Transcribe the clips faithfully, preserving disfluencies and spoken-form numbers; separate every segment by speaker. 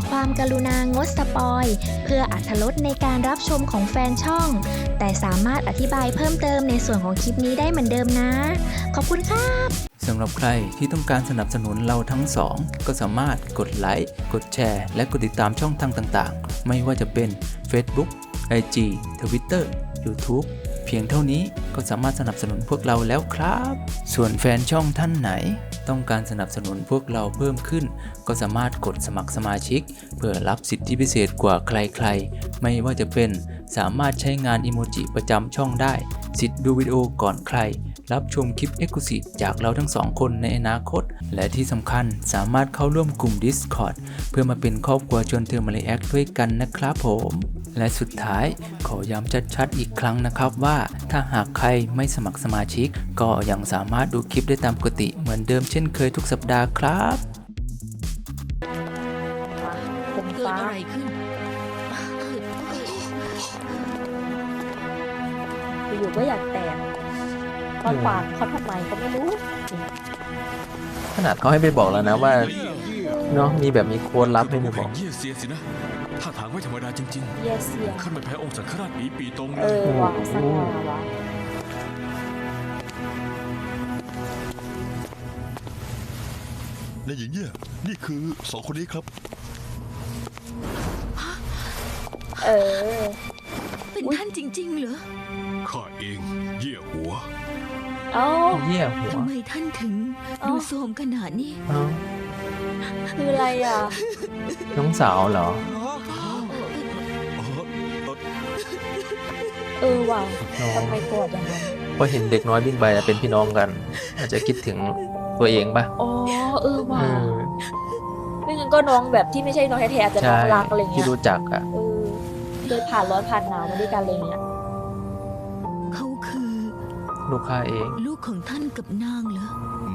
Speaker 1: ความกรุณางดสปอยเพื่ออรรถรสในการรับชมของแฟนช่องแต่สามารถอธิบายเพิ่มเติมในส่วนของคลิปนี้ได้เหมือนเดิมนะขอบคุณครับ
Speaker 2: สำหรับใครที่ต้องการสนับสนุนเราทั้งสองก็สามารถกดไลค์กดแชร์และกดติดตามช่องทางต่างๆไม่ว่าจะเป็น Facebook ไอ จี Twitter YouTube เพียงเท่านี้ก็สามารถสนับสนุนพวกเราแล้วครับส่วนแฟนช่องท่านไหนต้องการสนับสนุนพวกเราเพิ่มขึ้นก็สามารถกดสมัครสมาชิกเพื่อรับสิทธิพิเศษกว่าใครๆไม่ว่าจะเป็นสามารถใช้งานอิโมจิประจำช่องได้สิทธิ์ดูวิดีโอก่อนใครรับชมคลิป Exclusive จากเราทั้งสองคนในอนาคตและที่สำคัญสามารถเข้าร่วมกลุ่ม Discord เพื่อมาเป็นครอบครัวชวนเธอมาเลแอคด้วยกันนะครับผมและสุดท้ายขอย้ำชัดๆอีกครั้งนะครับว่าถ้าหากใครไม่สมัครสมาชิกก็ยังสามารถดูคลิปได้ตามปกติเหมือนเดิมเช่นเคยทุกสัปดาห์ครับ
Speaker 3: ผม
Speaker 4: เกิด
Speaker 3: ฟ้า
Speaker 4: อะไรขึ้น
Speaker 3: อยู่ๆก็อยากแตกตอนขวางเขาทำไมก็ไม่รู้
Speaker 5: ขนาดเขาให้ไปบอกแล้วนะว่าเนาะมีแบบมีโค้ดลับให้ไปบอก
Speaker 6: เยี่ยเสียสินะท่าทางไม่ธรรมดาจริง
Speaker 3: เยเซีย
Speaker 6: ๆขั้นไม่แพ้องค์สังฆราชหนีปีตรงเล
Speaker 3: เอย อว่ะสักหน่อยวะ
Speaker 7: นายหญิงเยี่ยนี่คือสองคนนี้ครับ
Speaker 3: เออ
Speaker 4: เป็นท่านจริงๆเหรอ
Speaker 6: ข้าเองเยี่ยหัว
Speaker 3: เอ้า
Speaker 5: เยี่ยหัว
Speaker 4: ทำไมท่านถึง
Speaker 3: เอ้า
Speaker 4: ดูโทรมขนาดนี้
Speaker 5: เอ้า
Speaker 3: คืออะไรอ่ะ
Speaker 5: น้องสาวเหรอ
Speaker 3: เออว่ะทำไมโกรธอย่างนั้น
Speaker 5: พอเห็นเด็กน้อยวิ่งไปเป็นพี่น้องกัน อาจจะคิดถึงตัวเองปะ
Speaker 3: อ๋อเออว่ะ
Speaker 5: เออ
Speaker 3: ไม่งั้นก็น้องแบบที่ไม่ใช่น้องแท้ๆอาจจะน้
Speaker 5: ใช่
Speaker 3: องรักอะไรเงี้
Speaker 5: ที่
Speaker 3: ย
Speaker 5: รู้จักอ่ะ
Speaker 3: เออเคยผ่านร้อนผ่านหนาวมาด้วยกันอะไรเงี้ย
Speaker 4: เขาคือ
Speaker 5: ลูกค้าเอง
Speaker 4: ลูกของท่านกับนางเหรอ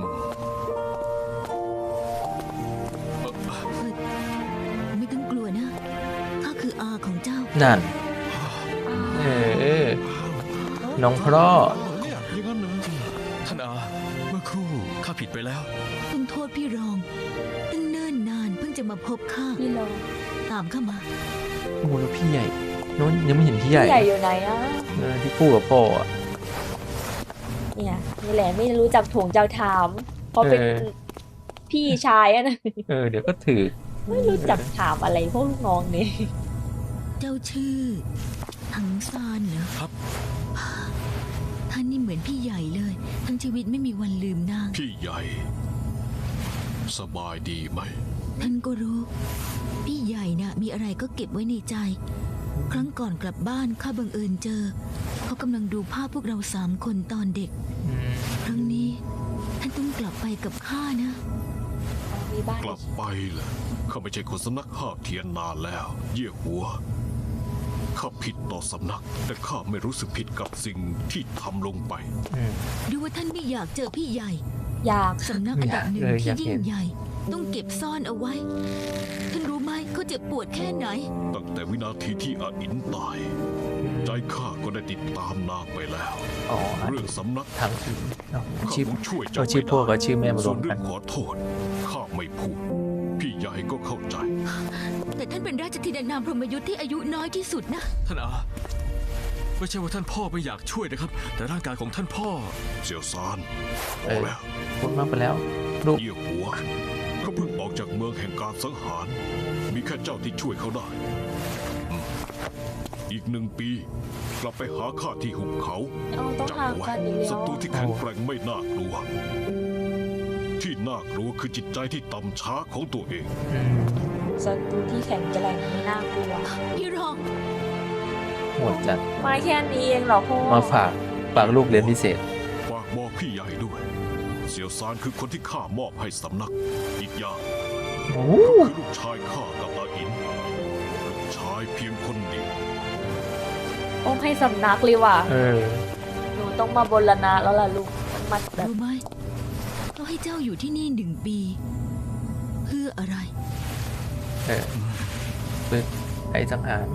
Speaker 4: เฮ้ยไม่ต้องกลัวนะข้าคืออาของเจ้า
Speaker 5: นั่น เออ น้องพร่อ
Speaker 6: อย่างนั้นเหรอท่านอาเมื่อครู่ข้าผิดไปแล้ว
Speaker 4: ต้องโทษพี่รองตั้งเนิ่นนานเพิ่งจะมาพบข้า
Speaker 3: พี่ลอง
Speaker 4: ตามข้ามา
Speaker 5: โอ้โหแล้วพี่ใหญ่น้องยังไม่เห็นพี่ใหญ่
Speaker 3: พี่ใหญ่อยู่ไหนอ่ะ
Speaker 5: เออที่คู่กับพ่ออ่ะ
Speaker 3: เนี่ยนี่แหละไม่รู้จักถ่วงเจ้าถามเพราะเป็น
Speaker 5: เออ
Speaker 3: พี่ชายอะนะ
Speaker 5: เออเดี๋ยวก็ถือ
Speaker 3: ไม่รู้จักถามอะไรพวกลูกน้องนี่
Speaker 4: เจ้าชื่อถังซานเหรอ
Speaker 6: ครับ
Speaker 4: ท่านนี่เหมือนพี่ใหญ่เลย ทั้งชีวิตไม่มีวันลืมนาง
Speaker 6: พี่ใหญ่ สบายดีไหม
Speaker 4: ท่านก็รู้ พี่ใหญ่น่ะมีอะไรก็เก็บไว้ในใจ ครั้งก่อนกลับบ้านข้าบังเอิญเจอ เขากำลังดูภาพพวกเราสามคนตอนเด็ก
Speaker 5: อืม
Speaker 4: ครั้งนี้ท่านต้องกลับไปกับข้านะ
Speaker 3: มีบ้าน
Speaker 6: กลับไปเหรอข้าไม่ใช่คนสำนักห้าบเทียนนานแล้ว เยี่ยหัวข้าผิดต่อสำนัก แต่ข้าไม่รู้สึกผิดกับสิ่งที่ทำลงไป
Speaker 5: อืม
Speaker 4: ดูว่าท่านไม่อยากเจอพี่ใหญ่
Speaker 3: อยาก
Speaker 4: สำนักอันดับหนึ่ง
Speaker 5: อยากเลย
Speaker 4: ที่
Speaker 5: อยากเห็
Speaker 4: ยิ่
Speaker 5: น
Speaker 4: งใหญ่ ต้องเก็บซ่อนเอาไว้ ท่านรู้ไหมเขาเจ็บปวดแค่ไหน
Speaker 6: ตั้งแต่วินาทีที่อาอินตาย ใจข้าก็ได้ติดตามนางไปแล้ว
Speaker 5: อ๋อ
Speaker 6: เรื่องสำนัก
Speaker 5: ทางชื่อเอ้า
Speaker 6: ข้า
Speaker 5: ชื่อ
Speaker 6: คงช่วย
Speaker 5: เอา
Speaker 6: เจ้า
Speaker 5: ชื่อพ่อกับชื่อแม่มาร
Speaker 6: ส่
Speaker 5: ว
Speaker 6: วน
Speaker 5: มกั
Speaker 6: เรื่
Speaker 5: น
Speaker 6: องขอโทษข้าไม่พูด พี่ใหญ่ก็เข้าใจ
Speaker 4: แต่ท่านเป็นราชธิดานามพรหมยุทธ์ที่อายุน้อยที่สุดนะ
Speaker 6: ท่านอาไม่ใช่ว่าท่านพ่อไม่อยากช่วยนะครับ แต่ร่างกายของท่านพ่อเสี่ยวซานพ
Speaker 5: เอ
Speaker 6: อ
Speaker 5: อ
Speaker 6: แล้ว
Speaker 5: พูดมากไปแล้ว ลูก
Speaker 6: เยี่ยหัวเขาเพิ่งออกจากเมืองแห่งการสังหาร มีแค่เจ้าที่ช่วยเขาได้อืมอีกหนึ่งปี กลับไปหาข้าที่หุบเขา
Speaker 3: เอาต้อง
Speaker 6: จำ
Speaker 3: ห่าง
Speaker 6: เอาไว้
Speaker 3: กันอีกแล้
Speaker 6: ศั
Speaker 3: ว
Speaker 6: ตรูที่แข็งแกร่งไม่น่ากลัว ที่น่ากลัวคือจิตใจที่ต่ำช้าของตัวเอง
Speaker 5: อืม
Speaker 3: ศัตรูที่แข็งแกร่งไม่น่ากลัว
Speaker 4: พี่รอง
Speaker 5: โหดจัด
Speaker 3: มาแค่นี้เองเหรอพ่อ
Speaker 5: มาฝากฝากลูกเรียนพิเศษ
Speaker 6: ฝากบอกพี่ใหญ่ด้วย เสี่ยวซานคือคนที่ข้ามอบให้สำนัก อีกอย่าง
Speaker 5: โอ้
Speaker 6: คือลูกชายข้ากับอาอิน ลูกชายเพียงคนเดียว
Speaker 3: ต้องให้สำนักเลยว่ะ
Speaker 5: เออ
Speaker 3: หนูต้องมาบรณะแล้วล่ะลูกมันแบบ
Speaker 4: รู้ไหมเราให้เจ้าอยู่ที่นี่หนึ่งปี เพื่ออะไร
Speaker 5: เออฝึกไอ้สังหาร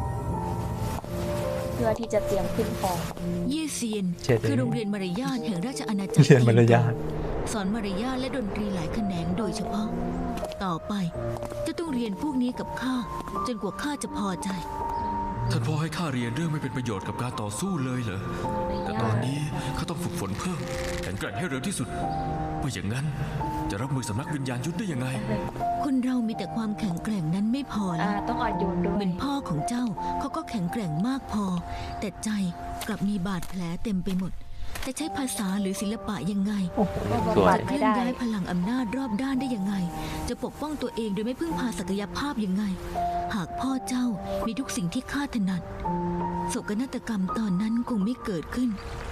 Speaker 3: เพื่อที่จะเตรียมขึ้นของ
Speaker 4: เย่เซียน
Speaker 5: เจ็ด
Speaker 4: คือโรงเรียนมารยาทแห่งราชอาณาจักร
Speaker 5: เรียนมารยาท
Speaker 4: ทสอนมารยาทและดนตรีหลายแขนงโดยเฉพาะ ต่อไปเจะต้องเรียนพวกนี้กับข้าจนกว่าข้าจะพอใจ
Speaker 8: ท่านพ่อให้ข้าเรียนเรื่องไม่เป็นประโยชน์กับการต่อสู้เลยเหรอ แต่ตอนนี้ข้าต้องฝึกฝนเพิ่มแข็งแกร่งให้เร็วที่สุดไม่อย่างนั้นจะรับมือสำนักวิญญาณยุทธได้ยังไง
Speaker 4: คนเรามีแต่ความแข็งแกร่งนั้นไม่พอ
Speaker 3: อ่า
Speaker 4: แล้ว
Speaker 3: ต้องอ่อนโยนด้ว
Speaker 4: เห
Speaker 3: ย
Speaker 4: มือนพ่อของเจ้าเขาก็แข็งแกร่งมากพอ แต่ใจกลับมีบาดแผลเต็มไปหมด จะใช้ภาษาหรือศิลปะยังไง
Speaker 5: โอ้โห
Speaker 3: ก็
Speaker 5: สว
Speaker 3: บำบั
Speaker 5: ย
Speaker 3: ด
Speaker 4: เคลื่อนย้ายพลังอำนาจรอบด้านได้ยังไง จะปกป้องตัวเองโดยไม่พึ่งพาศักยภาพยังไง หากพ่อเจ้ามีทุกสิ่งที่ข้าถนัดโศกนาฏกรรมตอนนั้นคงไม่เกิดขึ้น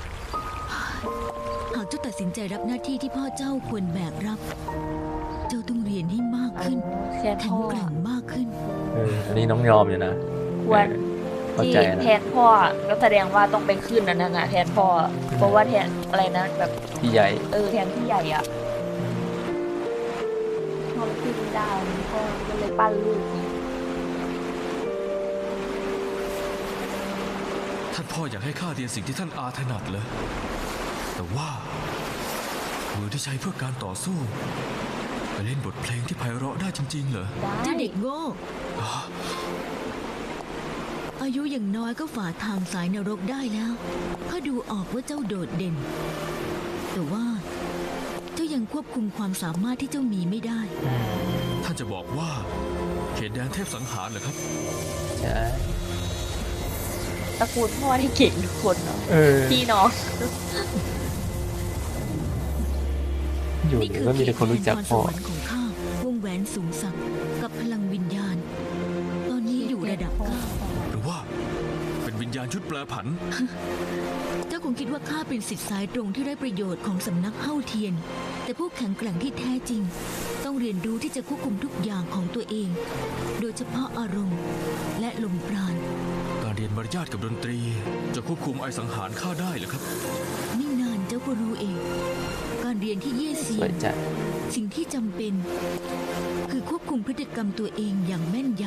Speaker 4: หากเจ้าตัดสินใจรับหน้าที่ที่พ่อเจ้าควรแบกรับ เจ้าต้องเรียนให้มากขึ้น
Speaker 3: แค่
Speaker 4: แข็
Speaker 3: พ่
Speaker 4: ง
Speaker 3: อ
Speaker 4: แกร่งมากขึ้น
Speaker 5: เอออันนี้น้องยอมอยู่นะ
Speaker 3: ควร
Speaker 5: เข้า
Speaker 3: ที่
Speaker 5: ใจนะ
Speaker 3: แทนพ่อก็แสดงว่าต้องไปขึ้นนั่นน่ะแทนพ่อ เพราะว่าแทนอะไรนะแบบ
Speaker 5: พี่ใหญ่
Speaker 3: เออแทนพี่ใหญ่อ่ะพ่อขึ้นไม่ได้พ่อก็เลยปั้นลูก
Speaker 8: ท่านพ่ออยากให้ข้าเรียนสิ่งที่ท่านอาถนัดเลยแต่ว่ามือที่ใช้เพื่อการต่อสู้ไปเล่นบทเพลงที่ไพเราะได้จริงๆเหรอ
Speaker 3: ได้
Speaker 4: เจ้าเด็กโง่
Speaker 8: อ๋อ
Speaker 4: อายุอย่างน้อยก็ฝ่าทางสายนรกได้แล้วข้าดูออกว่าเจ้าโดดเด่น แต่ว่าเจ้ายังควบคุมความสามารถที่เจ้ามีไม่ได้
Speaker 8: ท่านจะบอกว่าเขตแดนเทพสังหารเหรอครับ
Speaker 5: ใช่
Speaker 3: ตระกูลพ่อที่เก่งทุกคนเนาะ
Speaker 5: เออ
Speaker 3: พี่น้อง
Speaker 5: อยู่
Speaker 4: นี่
Speaker 5: เดี๋ย
Speaker 4: คื
Speaker 5: วก็มีแต่คนรู้จัก
Speaker 4: พรส
Speaker 5: พ่อ
Speaker 4: วรรค์ของข้าวงแหวนสูงสักกับพลังวิญญาณ ตอนนี้อยู่ระดับเก้า
Speaker 8: หรือว่าเป็นวิญญาณชุดแปลผัน
Speaker 4: เจ้าคงคิดว่าข้าเป็นสิทธิ์สายตรงที่ได้ประโยชน์ของสำนักเฮ้าเทียน แต่ผู้แข็งแกร่งที่แท้จริง ต้องเรียนรู้ที่จะควบคุมทุกอย่างของตัวเอง โดยเฉพาะอารมณ์ และลมปราณ
Speaker 8: การเรียนมารยาทกับดนตรี จะควบคุมไอสังหารข้าได้เหรอครับ
Speaker 4: ไม่นานเจ้าก็รู้เอง การเรียนที่เย่
Speaker 5: ส
Speaker 4: เซี
Speaker 5: วย ย
Speaker 4: น
Speaker 5: จัด
Speaker 4: สิ่งที่จำเป็น คือควบคุมพฤติกรรมตัวเองอย่างแม่นย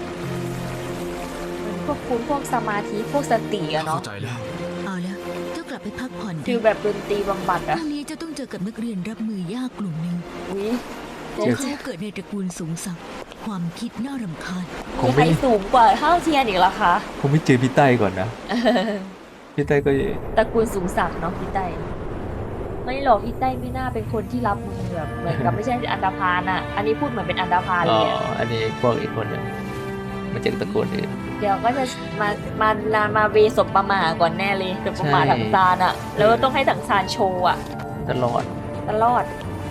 Speaker 3: พวกคุณพวกสมาธิพวกสติอะเนาะ
Speaker 8: เข้าใจแล้ว
Speaker 4: ำเอาละเจ้ากลับไปพักผ่อนเถ
Speaker 3: ฟิล
Speaker 4: อะ
Speaker 3: แบบดนตรีบำบัด
Speaker 4: พ
Speaker 3: อะ
Speaker 4: รุ่งนี้เจ้าต้องเจอกับนักเรียนรับมือยากกลุ่มหนึ่ง
Speaker 3: อุ้ย
Speaker 4: พวกเขาเกิดในตระกูลสูงสักดิ์ความคิดน่ารำคาญ
Speaker 5: ค
Speaker 3: มี
Speaker 5: ง
Speaker 3: ใคร
Speaker 5: ไม่
Speaker 3: สูงกว่าเท่าเทียนอีกเหรอคะ
Speaker 5: คงไม่เจอพี่ใต้ก่อนนะ พี่ใต้ก็
Speaker 3: ตระกูลสูงศักดิ์เนาะพี่ไต้ไม่หรอกพี่ไต้ไม่น่าเป็นคนที่รับมือแบบเหมือนกับไม่ใช่อันดาพานอะอันนี้พูดเหมือนเป็นอันดาพาน
Speaker 5: อ๋
Speaker 3: เล
Speaker 5: อ
Speaker 3: ยอะ
Speaker 5: อันนี้พวกอีกคนหนึงมาจากตระกูลอื่น
Speaker 3: เดี๋ยวก็จะมามามามาเวศพประมาก่อนแน่เลยเป็นประมา
Speaker 5: ใช่
Speaker 3: ถังซานอะแล้วก็ต้องให้ถังซานโชว์อะ
Speaker 5: ตลอด
Speaker 3: ตลอด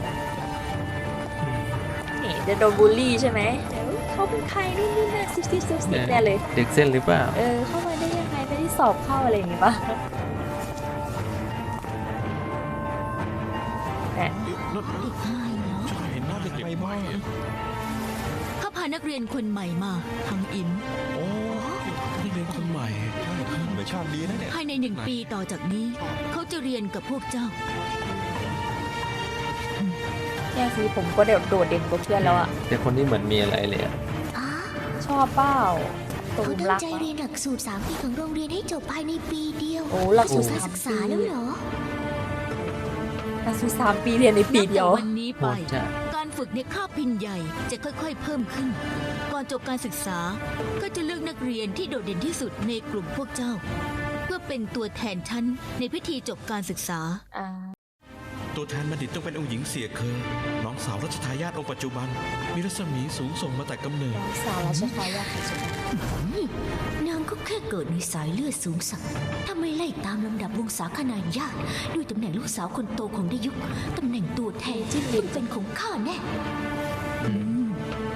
Speaker 3: นี่จะโดนบูลลี่ใช่ไหมเดี๋ยวเขาเป็นใครนี่นี่นะซิบซิบซิบซิบแน่เลย
Speaker 5: เด็กเส้นหรือเปล่า
Speaker 3: เออ เข้ามาได้ยังไงไม่ได้สอบเข้าอะไรอย่างงี้ปะแหม
Speaker 4: อีกอายเนาะ
Speaker 7: เห็นหน้าเด็กไปบ้าง
Speaker 4: ข้าพานักเรียนคนใหม่มาทางอิน
Speaker 7: โอ้นี่เรียนคนใหม่ใช่เหมือนชาติดีนะเนี่ย
Speaker 4: ภายในหนึ่งปีต่อจากนี้ เขาจะเรียนกับพวกเจ้า
Speaker 3: แค่ซื้อผมก็เดี๋ยวโดดเด่นกว่าเพื่อนแล้วอะ
Speaker 5: แต่คนนี้เหมือนมีอะไรเลยอะ
Speaker 3: ชอบเป้าต
Speaker 9: เขา
Speaker 3: ม
Speaker 9: ตั้ง
Speaker 3: รัก
Speaker 9: ใจ
Speaker 3: อะ
Speaker 9: เรียนหลักสูตรสามปีของโรงเรียนให้จบภายในปีเดียว
Speaker 3: โอ้หลักสูตร
Speaker 9: การ
Speaker 3: สาม
Speaker 9: ศึกษา
Speaker 3: ปี
Speaker 9: แล้วเหรอ
Speaker 3: หลักสูตรสามปีเรียนในปีเดียว
Speaker 4: นับแต่วันนี้
Speaker 5: โห
Speaker 4: ไป
Speaker 5: ดจัด
Speaker 4: การฝึกในคาบพินใหญ่จะค่อยๆ เพิ่มขึ้น ก่อนจบการศึกษา ก็จะเลือกนักเรียนที่โดดเด่นที่สุดในกลุ่มพวกเจ้า เพื่อเป็นตัวแทนชั้นในพิธีจบการศึกษา
Speaker 3: อ่า
Speaker 10: ตัวแทนบัณฑิตต้องเป็นองค์หญิงเสียเคอน้องสาวรัชทายาทองค์ปัจจุบัน มีรัศมีสูงส่งมาแต่กำเนิด
Speaker 3: น้องสาวราชทายาทของฉัน
Speaker 9: นางก็แค่เกิดในสายเลือดสูงสักดิ์ถ้าไม่ไล่ตามลำดับวงศาคณาญาติด้วยตำแหน่งลูกสาวคนโตของดายุคตำแหน่งตัวแทนที่ต้องเป็นของข้าแน่
Speaker 4: อืม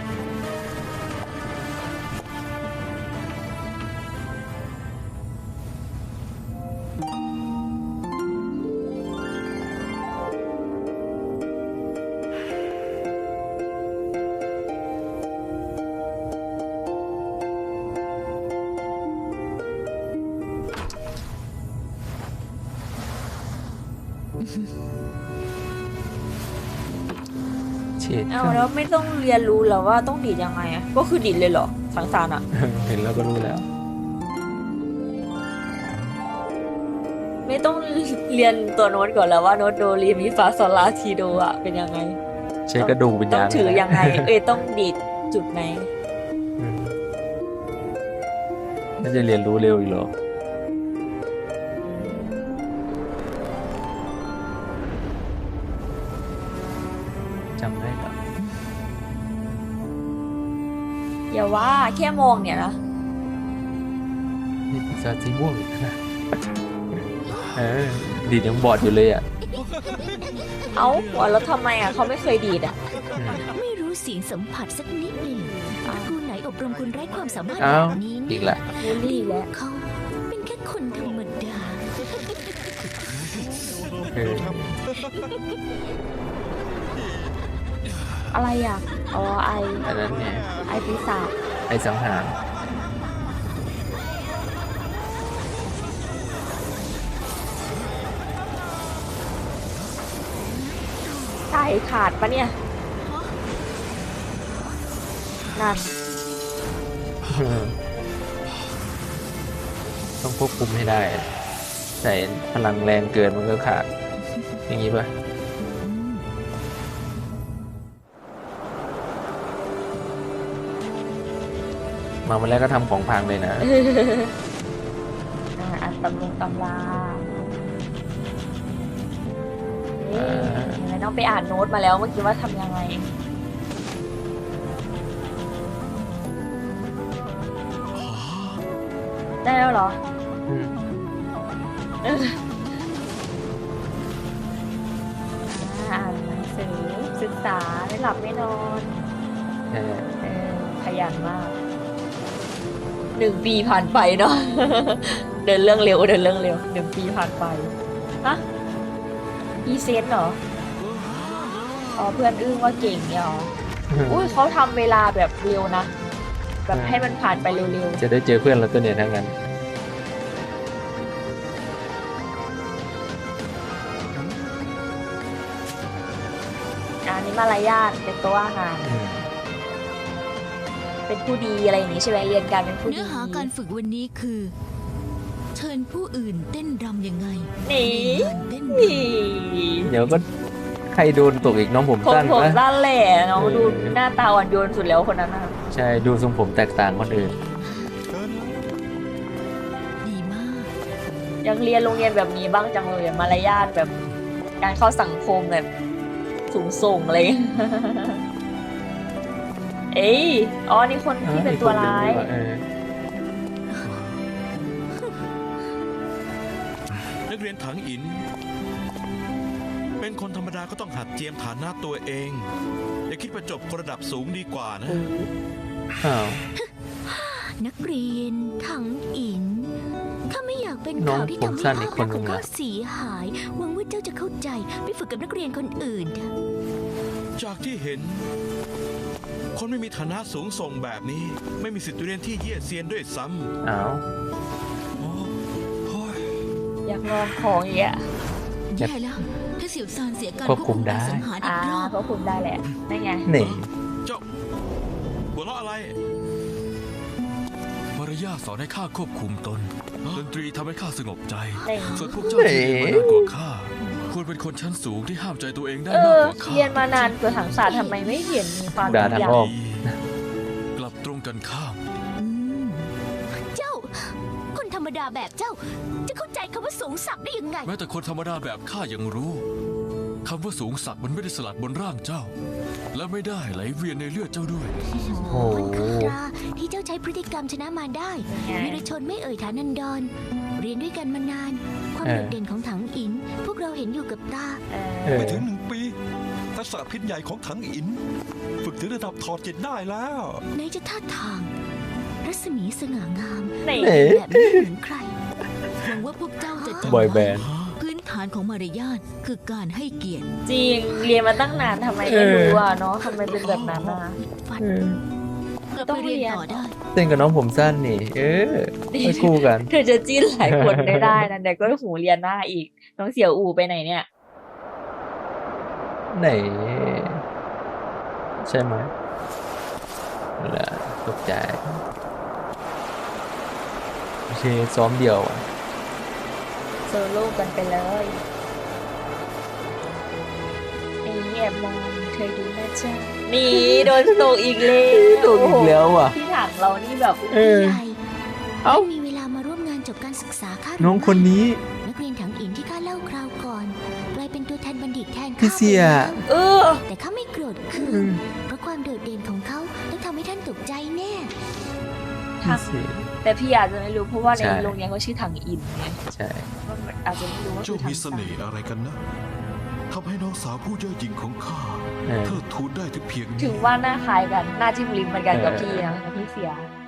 Speaker 5: เฉียด
Speaker 3: เอาแล้วไม่ต้องเรียนรู้เหรอว่าต้องดีดยังไงอะก็คือดีดเลยเหรอสังสารอะ
Speaker 5: เห็นแล้วก็รู้แล้ว
Speaker 3: เไม่ต้องเรียนตัวโน้ตก่อนแล้วว่าโน้ตโดเรมีฟาซอลลาทีโดอ่ะเป็นยังไง
Speaker 5: ใช้กระดูกวิญ
Speaker 3: ต้อ
Speaker 5: ญาง ณ
Speaker 3: ถือยังไง เอ้ยต้องดีดจุดไหน
Speaker 5: อืมน่าจะเรียนรู้เร็วอีกเหรอจำได้ปะ
Speaker 3: อย่าว่าแค่มองเนี่ยนะ
Speaker 5: นี่ปีศาจสีม่วงอีกนะเออดีดยังบอดอยู่เลยอ่ะ
Speaker 3: เอ้าหัวแล้วทำไมอ่ะเขาไม่เคยดีดอ่ะ
Speaker 5: อืม
Speaker 9: ไม่รู้เสียงสัมผัสสักนิดเลยเหรอครูไหนอบรมคนไร้ความสามารถ
Speaker 5: เอ้า
Speaker 9: แบบนี้
Speaker 5: อี
Speaker 9: เนี่ย
Speaker 5: กละ
Speaker 3: บูลลี่แล้ว
Speaker 9: เขาเป็นแค่คนธรรมดา
Speaker 5: เออ
Speaker 3: อะไรอ่ะอ๋อไอ
Speaker 5: อันนั้นไง
Speaker 3: ไอปีศาจ
Speaker 5: ไอ้สังหาร
Speaker 3: ใช่ขาดปะเนี่ยนั่น
Speaker 5: ต้องควบคุมให้ได้อะใส่พลังแรงเกินมันก็ขาด อย่างนี้ป่ะ มาวันแรกก็ทำของพังเลยนะ
Speaker 3: อ่าอันตำลงตำราเอ๊ะยังไงน้องไปอ่านโน้ตมาแล้วเมื่อกี้ว่าทำยังไง ได้แล้วเหรอ
Speaker 5: อืม
Speaker 3: อ่าอ่านหนังสือศึกษาไม่หลับไม่นอน
Speaker 5: ใช่
Speaker 3: เออขยันมากหนึ่งปีผ่านไปเนาะ เดินเรื่องเร็วเดินเรื่องเร็วหนึ่งปีผ่านไปฮะอีเซนเหรออ๋อเพื่อนอึ้งว่าเก่งเนี่ยเหรออุ้ยเขาทำเวลาแบบเร็วนะ แบบให้มันผ่านไปเร็ว
Speaker 5: จะได้เจอเพื่อนเราตัวเนี่ยทั้งนั้น
Speaker 3: ๆอันนี้มารยาทเป็นตัวอาหาร
Speaker 5: อืม
Speaker 3: เป็นผู้ดีอะไรอย่างนี้ใช่ไหมเรียนการเป็นผู้ดี
Speaker 4: เนื้อหาการฝึกวันนี้คือ เชิญผู้อื่นเต้นรำยังไง
Speaker 3: นี่
Speaker 4: ในงานเต้นร
Speaker 3: นี่
Speaker 5: เดี๋ยวก็ใครโดนตกอีกน้องผม
Speaker 3: ผม
Speaker 5: สั้น
Speaker 3: ผม
Speaker 5: นะ
Speaker 3: ด้านแหล่น้อง
Speaker 5: เออ
Speaker 3: ดูหน้าตาอ่อนโยนสุดแล้วคนนั้นน่ะ
Speaker 5: ใช่ดูทรงผมแตกต่างคนอื่น
Speaker 4: ำดีมาก
Speaker 3: ยังเรียนโรงเรียนแบบนี้บ้างจังเลยอะมารยาทแบบการเข้าสังคมแบบสูงส่งอะไรอย่างเลย เอ้ยอ๋อนี่คนที่เป็นตัวร้าย
Speaker 5: เออ
Speaker 10: นักเรียนถังอิน เป็นคนธรรมดาก็ต้องหัดเจียมฐานะตัวเอง อย่าคิดประจบคนระดับสูงดีกว่านะ
Speaker 5: อ้าว
Speaker 9: นักเรียนถังอินข้าไม่อยากเป็น
Speaker 5: น้อง
Speaker 9: ข่าวที่
Speaker 5: ผม
Speaker 9: ทำให้
Speaker 5: สั้น
Speaker 9: ภา
Speaker 5: อี
Speaker 9: พ
Speaker 5: กค
Speaker 9: ลั
Speaker 5: น
Speaker 9: กษณ์
Speaker 5: ห
Speaker 9: ข
Speaker 5: นึ่
Speaker 9: อง
Speaker 5: ง
Speaker 9: ข้า
Speaker 5: อะ
Speaker 9: เสียหาย หวังว่าเจ้าจะเข้าใจไปฝึกกับนักเรียนคนอื่นเถอะ
Speaker 10: จากที่เห็น คนไม่มีฐานะสูงส่งแบบนี้ ไม่มีสิทธิ์เรียนที่เยี่ยเซียนด้วยซ้ำ
Speaker 5: อ้าว
Speaker 3: อยากลองของอย่างเงี้ย
Speaker 4: แย่แล้ว ถ้าเสี่ยวซานเสียการ
Speaker 5: ควบคุมได้
Speaker 4: การสังหารอี
Speaker 3: อ่าก
Speaker 4: รอบ
Speaker 3: เพราะคุณได้แหละนั่นไง
Speaker 5: นี่
Speaker 10: เจ้าหัวเราะอะไร
Speaker 8: มารยาทสอนให้ข้าควบคุมตน ดนตรีทำให้ข้าสงบใจ
Speaker 3: เน่
Speaker 8: ส่วนพวกเจ้าที่เรียนมานานกว่าข้า ควรเป็นคนชั้นสูงที่ห้ามใจตัวเองได้
Speaker 3: เอ
Speaker 8: มาก
Speaker 3: อก
Speaker 8: ว่าข้า
Speaker 3: เรียนมานานเกิดถังศาสตร์ทำไมไม่เห็นมีความ
Speaker 5: ด่าทางอ้อม
Speaker 8: กลับตรงกันข้าม
Speaker 4: อืม
Speaker 9: เจ้า คนธรรมดาแบบเจ้า จะเข้าใจคำว่าสูงสักดิ์ได้ยังไง
Speaker 8: แม้แต่คนธรรมดาแบบข้ายังรู้คำว่าสูงสักดิ์มันไม่ได้สลักบนร่างเจ้า และไม่ได้ไหลเวียนในเลือดเจ้าด้วย
Speaker 5: โอ้
Speaker 9: มัน
Speaker 5: โห
Speaker 9: คือตราที่เจ้าใช้พฤติกรรมชนะมารได้
Speaker 3: ไง
Speaker 9: วีรชนไม่เอ่ยฐานันดร เรียนด้วยกันมานาน ความ
Speaker 5: เออ
Speaker 9: โดดเด่นของถังอิน พวกเราเห็นอยู่กับตา
Speaker 3: เอ
Speaker 5: เอ
Speaker 3: อ
Speaker 5: อ
Speaker 7: ไม่ถึงหนึ่งปี ทักษะพิษใหญ่ของถังอิน ฝึกถึงระดับถอดจิตได้แล้ว
Speaker 9: ไหนจะท่าทาง รัศมีสง่างาม
Speaker 3: นี่
Speaker 5: เอ๊ะ
Speaker 9: แบบไม่เหมือนใคร
Speaker 4: หวังว่าพวกเจ้าจะจำ
Speaker 5: บอยแบ
Speaker 4: ไว้
Speaker 5: นด์
Speaker 4: พื้นฐานของมารยาทคือการให้เกียรติ
Speaker 3: จริงเรียนมาตั้งนานทำไมไม่รู้อ่ะเนาะทำไมเป็นแบบนั้นอ่ะ
Speaker 9: ฟัน
Speaker 5: เออ
Speaker 4: กลับ
Speaker 3: ต้
Speaker 4: ไป
Speaker 3: อง
Speaker 4: เรียน
Speaker 3: เรียน
Speaker 4: ต่อได้
Speaker 5: เต้นกับน้องผมสั้นนี่ เออไปคู่กัน
Speaker 3: เธอจะจิ้นหลายคนไม่ได้นะเดี๋ยวก็หูเรียนหน้าอีก น้องเสี่ยวอูไปไหนเนี่ย
Speaker 5: ไหน ใช่ไหมนั่นแหละตกใจโอเคซ้อมเดียวอะ
Speaker 3: โซโล่กันไปเลยไอ้แอบมองเธอดูนะจ๊ะนี่โดนตกอีกแล้ว
Speaker 5: ตกอีกแล้วอ่ะ
Speaker 3: ที่ถังเรานี่แบบ
Speaker 5: เออ
Speaker 9: ใหญ่
Speaker 5: เอ้า
Speaker 9: ไม่มีเวลามาร่วมงานจบการศึกษาข้าหรือ
Speaker 5: น้องคนนี้
Speaker 9: ไม่นักเรียนถังอินที่ข้าเล่าคราวก่อนกลายเป็นตัวแทนบัณฑิตแทน
Speaker 5: พี่
Speaker 9: ข้า
Speaker 5: เสีย
Speaker 9: ไปแล้ว
Speaker 3: เออ
Speaker 9: แต่ข้าไม่โกรธคื
Speaker 5: อื
Speaker 9: น
Speaker 5: ม
Speaker 9: เพราะความโดดเด่นของเขาต้องทำให้ท่านตกใจแน่
Speaker 5: พี่เสีย
Speaker 3: แต่พี่อาจจะไม่รู้เพราะว่าใน
Speaker 5: ใช่
Speaker 3: โรงเรียนเขาชื่อถังอินไง
Speaker 5: ใช่
Speaker 3: อาจจะไม่รู้ว่าคื
Speaker 6: เจ้า
Speaker 3: อถั
Speaker 6: มี
Speaker 3: ง
Speaker 6: เสน่ห์อะไรกันนะทำให้น้องสาวผู้เย่อหยิ่งของข้า
Speaker 5: เออ
Speaker 6: เทิดทูนได้ถึงเพียงนี้
Speaker 3: ถึงว่าหน้าคล้ายกันหน้าจิ้มลิ้มเหมือนกันกับ
Speaker 5: เออ
Speaker 3: พี่นะกับพี่เสีย